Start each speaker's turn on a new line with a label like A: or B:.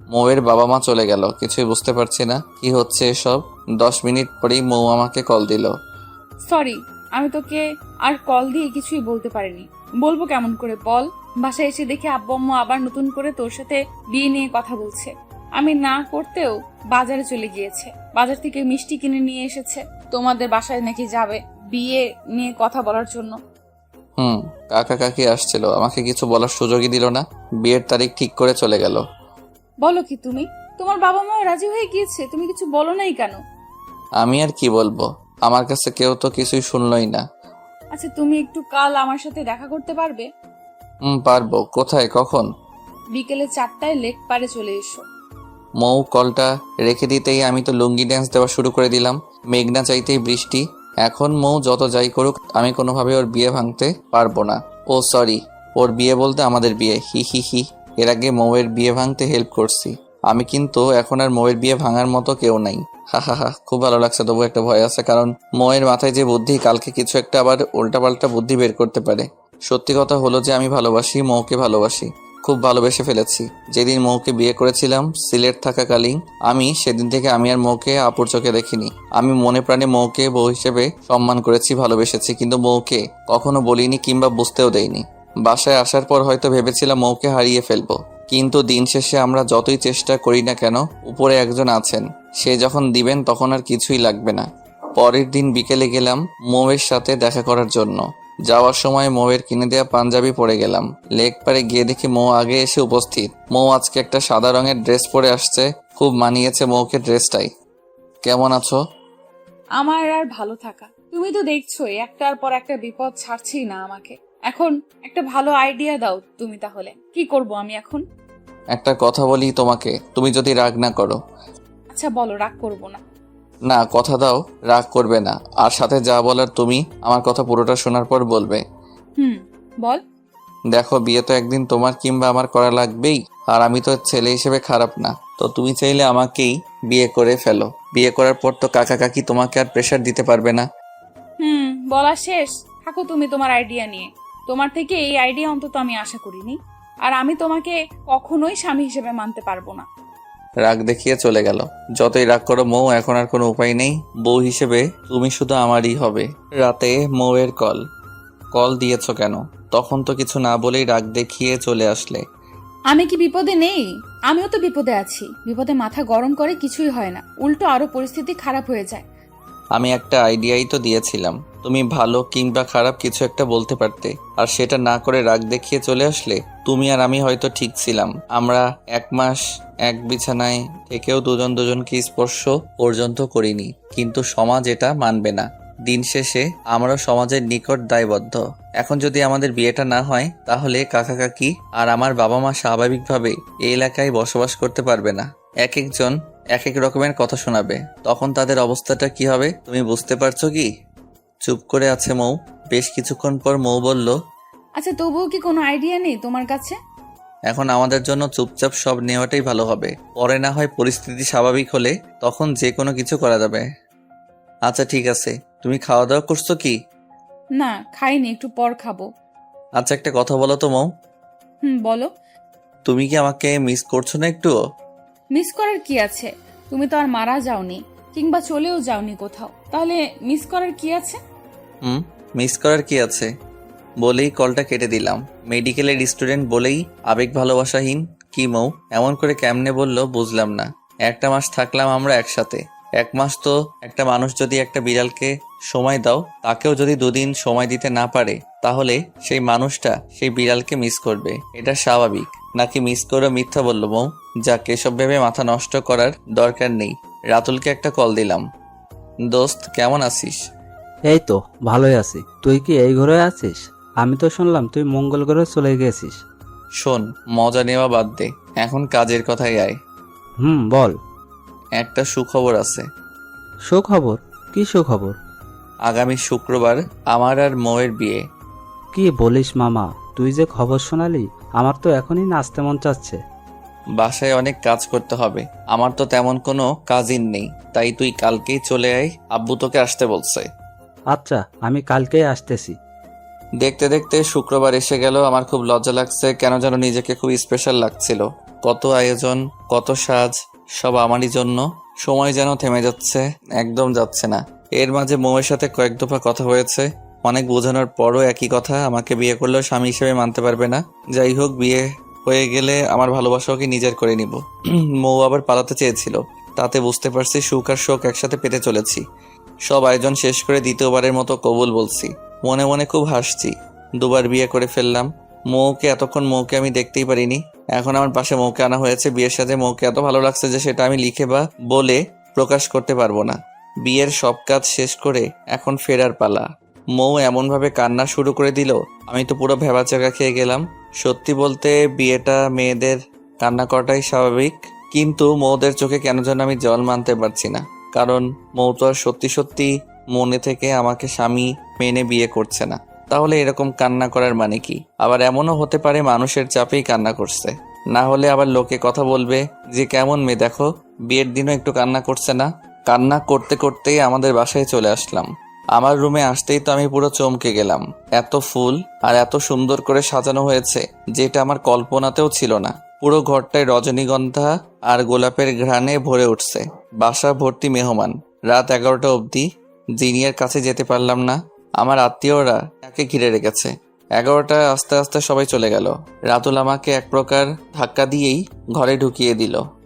A: মৌয়ের বাবা মা চলে গেল। কিছুই বুঝতে পারছি না কি হচ্ছে এসব। 10 মিনিট পরেই মৌ আমাকে কল দিল।
B: সরি, আমি তোকে আর কল দিয়ে কিছুই বলতে পারিনি। বলবো কেমন করে বল? বাসায় এসে দেখি আব্বু আম্মু আবার নতুন করে তোর সাথে বিয়ে নিয়ে কথা বলছে। আমি না করতেও বাজারে চলে গিয়েছে, বাজার থেকে মিষ্টি কিনে নিয়ে এসেছে। তোমাদের বাসায় নাকি যাবে বিয়ে নিয়ে কথা বলার জন্য।
A: কাকা কাকি আসছিল, আমাকে কিছু বলার সুযোগই দিল না। বিয়ের তারিখ ঠিক করে চলে গেল।
B: বলো কি তুমি? তোমার বাবা মা রাজি হয়ে গিয়েছে, তুমি কিছু বলো নাই কেন?
A: আমি আর কি বলবো, আমার কাছে কেউ তো কিছুই শুনলই না।
B: আচ্ছা, তুমি একটু কাল আমার সাথে দেখা করতে পারবে?
A: পারবো। কোথায়, কখন?
B: বিকেলে 4টায় লেক পারে চলে এসো।
A: মৌ কলটা রেখে দিতেই আমি তো লুঙ্গি ড্যান্স দেওয়া শুরু করে দিলাম। মেঘনা চাইতেই বৃষ্টি। এখন মৌ যত যাই করুক, আমি কোনোভাবে ওর বিয়ে ভাঙতে পারবো না। ও সরি, ওর বিয়ে বলতে আমাদের বিয়ে। হি হি হি। এর আগে মৌয়ের বিয়ে ভাঙতে হেল্প করছি আমি, কিন্তু এখন আর মৌয়ের বিয়ে ভাঙার মতো কেউ নাই। হা হা হা। খুব ভালো লাগছে, তবু একটা ভয় আছে, কারণ মৌয়ের মাথায় যে বুদ্ধি, কালকে কিছু একটা আবার উল্টাপাল্টা বুদ্ধি বের করতে পারে। সত্যি কথা হলো যে আমি ভালোবাসি, মৌকে ভালোবাসি, খুব ভালোবেসে ফেলেছি। যেদিন মৌকে বিয়ে করেছিলাম সিলেট থাকাকালীন, আমি সেদিন থেকে আমি আর মৌকে আপুর চোখে দেখিনি। আমি মনে প্রাণে মৌকে বউ হিসেবে সম্মান করেছি, ভালোবেসেছি, কিন্তু মৌকে কখনো বলিনি কিংবা বুঝতেও দেইনি। বাসায় আসার পর হয়তো ভেবেছিলাম মৌকে হারিয়ে ফেলবো, কিন্তু দিন শেষে আমরা যতই চেষ্টা করি না কেন, উপরে একজন আছেন, সে যখন দিবেন তখন আর কিছুই লাগবে না। পরের দিন বিকেলে গেলাম মৌয়ের সাথে দেখা করার জন্য। যাওয়ার সময় মৌয়ের কিনে দেওয়া পাঞ্জাবি পরে গেলাম। লেক পারে গিয়ে দেখি মৌ আগে এসে উপস্থিত। মৌ আজকে একটা সাদা রঙের ড্রেস পরে আসছে, খুব মানিয়েছে মৌকে ড্রেসটাই। কেমন আছো?
B: আমার আর ভালো থাকা? তুমি তো দেখছোই একটার পর একটা বিপদ ছাড়ছেই না আমাকে। এখন একটা ভালো আইডিয়া দাও তুমি, তাহলে কি করব আমি এখন?
A: একটা কথা বলি তোমাকে, তুমি যদি রাগ না করো।
B: আচ্ছা বলো, রাগ করব না।
A: না, কথা দাও রাগ করবে না, আর সাথে যা বলার তুমি আমার কথা পুরোটা শোনার পর বলবে।
B: বল।
A: দেখো, বিয়ে তো একদিন তোমার কিংবা আমার করা লাগবেই, আর আমি তো ছেলে হিসেবে খারাপ না, তো তুমি চাইলে আমাকেই বিয়ে করে ফেলো। বিয়ে করার পর তো কাকা কাকি তোমাকে আর প্রেশার দিতে পারবে না।
B: বলা শেষ। থাকো তুমি তোমার আইডিয়া নিয়ে। তোমার থেকে এই আইডিয়া অন্তত আমি আশা করিনি। আর আমি তোমাকে কখনোই স্বামী হিসেবে মানতে পারবো না।
A: রাগ দেখিয়ে চলে গেল। যতই রাগ করো মৌ, এখন আর কোনো উপায় নেই, বউ হিসেবে তুমি শুধু আমারই হবে। রাতে মৌয়ের কল দিয়েছো কেন? তখন তো কিছু না বলেই রাগ দেখিয়ে চলে আসলে।
B: আমি কি বিপদে নেই? আমিও তো বিপদে আছি। বিপদে মাথা গরম করে কিছুই হয় না, উল্টো আরো পরিস্থিতি খারাপ হয়ে যায়।
A: আমি একটা আইডিয়াই তো দিয়েছিলাম, তুমি ভালো কিংবা খারাপ কিছু একটা বলতে পারতে, আর সেটা না করে রাগ দেখিয়ে চলে আসলে। তুমি আর আমি হয়তো ঠিক ছিলাম, আমরা 1 মাস এক বিছানায় থেকেও দুজন দুজনকে স্পর্শ পর্যন্ত করিনি, কিন্তু সমাজ এটা মানবে না। দিন শেষে আমরাও সমাজের নিকট দায়বদ্ধ। এখন যদি আমাদের বিয়েটা না হয়, তাহলে কাকা কাকি আর আমার বাবা মা স্বাভাবিকভাবে এই এলাকায় বসবাস করতে পারবে না। এক একজন এক এক রকমের কথা শোনাবে, তখন তাদের অবস্থাটা কি হবে তুমি বুঝতে পারছো কি? চুপ করে আছে মৌ। বেশ কিছুক্ষণ পর মৌ বলল,
B: আচ্ছা, তবুও কি কোনো আইডিয়া নেই তোমার কাছে?
A: এখন আমাদের জন্য চুপচাপ সব নেওয়াটাই ভালো হবে। পরে না হয় পরিস্থিতি স্বাভাবিক হলে তখন যে কোনো কিছু করা যাবে। আচ্ছা ঠিক আছে, তুমি খাওয়া দাওয়া করছো কি?
B: না, খাইনি, একটু পর খাবো।
A: আচ্ছা একটা কথা বলো তো মৌ,
B: বলো।
A: তুমি কি আমাকে মিস করছো না একটুও?
B: মিস করার কি আছে? তুমি তো আর মারা যাওনি কিংবা চলেও যাওনি কোথাও, তাহলে মিস করার কি আছে?
A: মিস করার কি আছে বলেই কলটা কেটে দিলাম। মেডিকেলের স্টুডেন্ট বলেই আবেগ ভালোবাসাহীন? কি মৌ এমন করে কেমনে বললো বুঝলাম না। 1 মাস থাকলাম আমরা একসাথে। 1 মাস তো একটা মানুষ যদি একটা বিড়ালকে সময় দাও, তাকেও যদি 2 দিন সময় দিতে না পারে, তাহলে সেই মানুষটা সেই বিড়ালকে মিস করবে। এটা স্বাভাবিক নাকি? মিস করে মিথ্যা বললো মৌ। যাক, এসব ভেবে মাথা নষ্ট করার দরকার নেই। রাতুলকে একটা কল দিলাম। দোস্ত কেমন আছিস?
C: এই তো ভালোই আছি। তুই কি এই ঘরে আছিস? আমি তো শুনলাম তুই মঙ্গল গ্রহে চলে গেছিস।
A: শোন, মজা নেওয়া বাদ দে, এখন কাজের কথাই আয়।
C: বল।
A: একটা সুখবর আছে।
C: সুখবর? কি সুখবর?
A: আগামী শুক্রবার আমার আর মৌয়ের বিয়ে।
C: কি বলিস মামা, তুই যে খবর শোনালি, আমার তো এখনই নাচতে মন চাচ্ছে।
A: বাসায় অনেক কাজ করতে হবে, আমার তো তেমন কোনো কাজই নেই, তাই তুই কালকেই চলে আয়, আব্বু তোকে আসতে বলছে।
C: আচ্ছা, আমি কালকেই আসতেছি।
A: দেখতে দেখতে শুক্রবার এসে গেল। আমার খুব লজ্জা লাগছে, কেন যেন নিজেকে খুব স্পেশাল লাগছিল। কত আয়োজন, কত সাজ, সব আমারই জন্য। সময় যেন থেমে যাচ্ছে, একদম যাচ্ছে না। এর মাঝে মৌয়ের সাথে কয়েক দফা কথা হয়েছে। অনেক বোঝানোর পরও একই কথা, আমাকে বিয়ে করলেও স্বামী হিসেবে মানতে পারবে না। যাই হোক, বিয়ে হয়ে গেলে আমার ভালোবাসা ওকে নিজের করে নিব। মৌ আবার পালাতে চেয়েছিল, তাতে বুঝতে পারছি সুখ আর শোক একসাথে পেতে চলেছি। সব আয়োজন শেষ করে দ্বিতীয়বারের মতো কবুল বলছি। মনে মনে খুব হাসছি, দুবার বিয়ে করে ফেললাম। এতক্ষণ মৌকে আমি দেখতেই পারিনি, এখন আমার পাশে মৌকে আনা হয়েছে। বিয়ের সাথে মৌকে এত ভালো লাগছে যে সেটা আমি লিখে বা বলে প্রকাশ করতে পারবো না। বিয়ের সব কাজ শেষ করে এখন ফেরার পালা। মৌ এমনভাবে কান্না শুরু করে দিল, আমি তো পুরো ভেবাচাকা খেয়ে গেলাম। সত্যি বলতে বিয়েটা মেয়েদের কান্না করাটাই স্বাভাবিক, কিন্তু মৌদের চোখে কেন যেন আমি জল মানতে পারছি না। কারণ মৌ তো আর সত্যি সত্যি মনে থেকে আমাকে স্বামী মেনে বিয়ে করছে না। তাহলে এরকম কান্না করার মানে কি? আবার এমনও হতে পারে মানুষের চাপেই কান্না করছে, না হলে আবার লোকে কথা বলবে যে কেমন মেয়ে দেখো, বিয়ের দিনও একটু কান্না করছে না। কান্না করতে করতেই আমাদের বাসায় চলে আসলাম। আমার রুমে আসতেই তো আমি পুরো চমকে গেলাম। এত ফুল আর এত সুন্দর করে সাজানো হয়েছে, যেটা আমার কল্পনাতেও ছিল না। পুরো ঘরটায় রজনীগন্ধা আর গোলাপের ঘ্রাণে ভরে উঠছে। বাসা ভর্তি মেহমান। রাত 11টা অবধি জিনিয়ার কাছে যেতে পারলাম না। আমার আত্মীয়রা তাকে ঘিরে রেখেছে। 11টা আস্তে আস্তে সবাই চলে গেল। রাতুল আমাকে এক প্রকার ধাক্কা দিয়েই ঘরে ঢুকিয়ে দিল।